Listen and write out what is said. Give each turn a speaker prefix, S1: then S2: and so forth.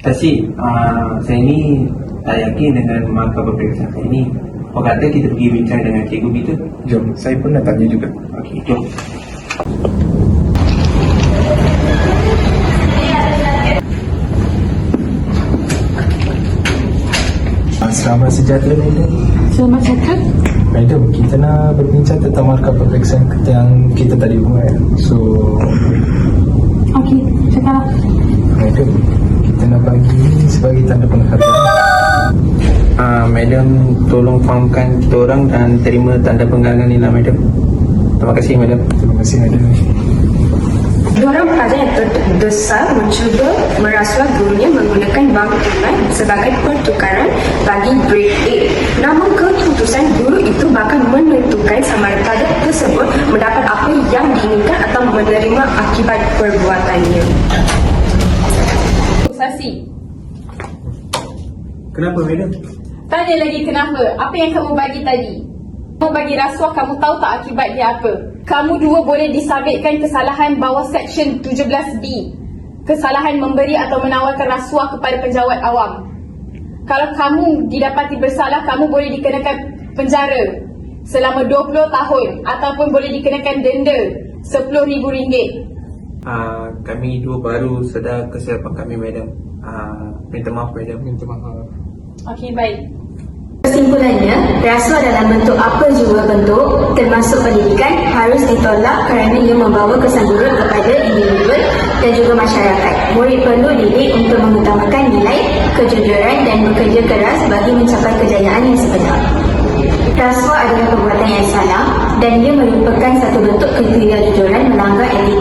S1: Tasik, saya ni tak yakin dengan markah peperiksaan ini. Apa kata kita pergi bincang dengan cikgu kita?
S2: Jom, saya pun nak tanya juga.
S1: Okey, jom.
S2: Selamat sejahtera, Madam.
S3: Selamat cakap.
S2: Madam, kita nak berbincang tentang markah peperiksaan yang kita tadi buat. So,
S3: Okey, cakap.
S2: Madam, kita nak bagi ini sebagai tanda penghargaan.
S1: Madam, tolong fahamkan kita orang dan terima tanda penghargaan ni lah, Madam. Terima kasih, Madam.
S2: Terima kasih, Madam.
S4: Diorang pelajar yang terdesak mencuba merasuah gurunya menggunakan wang tunai sebagai pertukaran bagi grade A. Namun keputusan guru itu bakal menentukan sama ada pelajar tersebut mendapat apa yang diinginkan atau menerima akibat perbuatannya.
S5: Sasi,
S1: Kenapa, Madam?
S5: tanya lagi kenapa? Apa yang kamu bagi tadi? Kamu bagi rasuah, kamu tahu tak akibat dia apa? Kamu dua boleh disabitkan kesalahan bawah Seksyen 17B. Kesalahan memberi atau menawarkan rasuah kepada penjawat awam. Kalau kamu didapati bersalah, kamu boleh dikenakan penjara selama 20 tahun ataupun boleh dikenakan denda RM10,000.
S1: Kami dua baru sedar kesilapan kami, Madam. Minta maaf, Madam.
S2: Minta maaf.
S5: Okey, baik.
S4: Kesimpulannya, rasuah dalam bentuk apa jua bentuk, termasuk pendidikan, harus ditolak kerana ia membawa kesan buruk kepada individu dan juga masyarakat. Murid perlu didik untuk mengutamakan nilai, kejujuran dan bekerja keras bagi mencapai kejayaan yang sebenar. Rasuah adalah perbuatan yang salah dan ia merupakan satu bentuk ketidakjujuran melanggar etika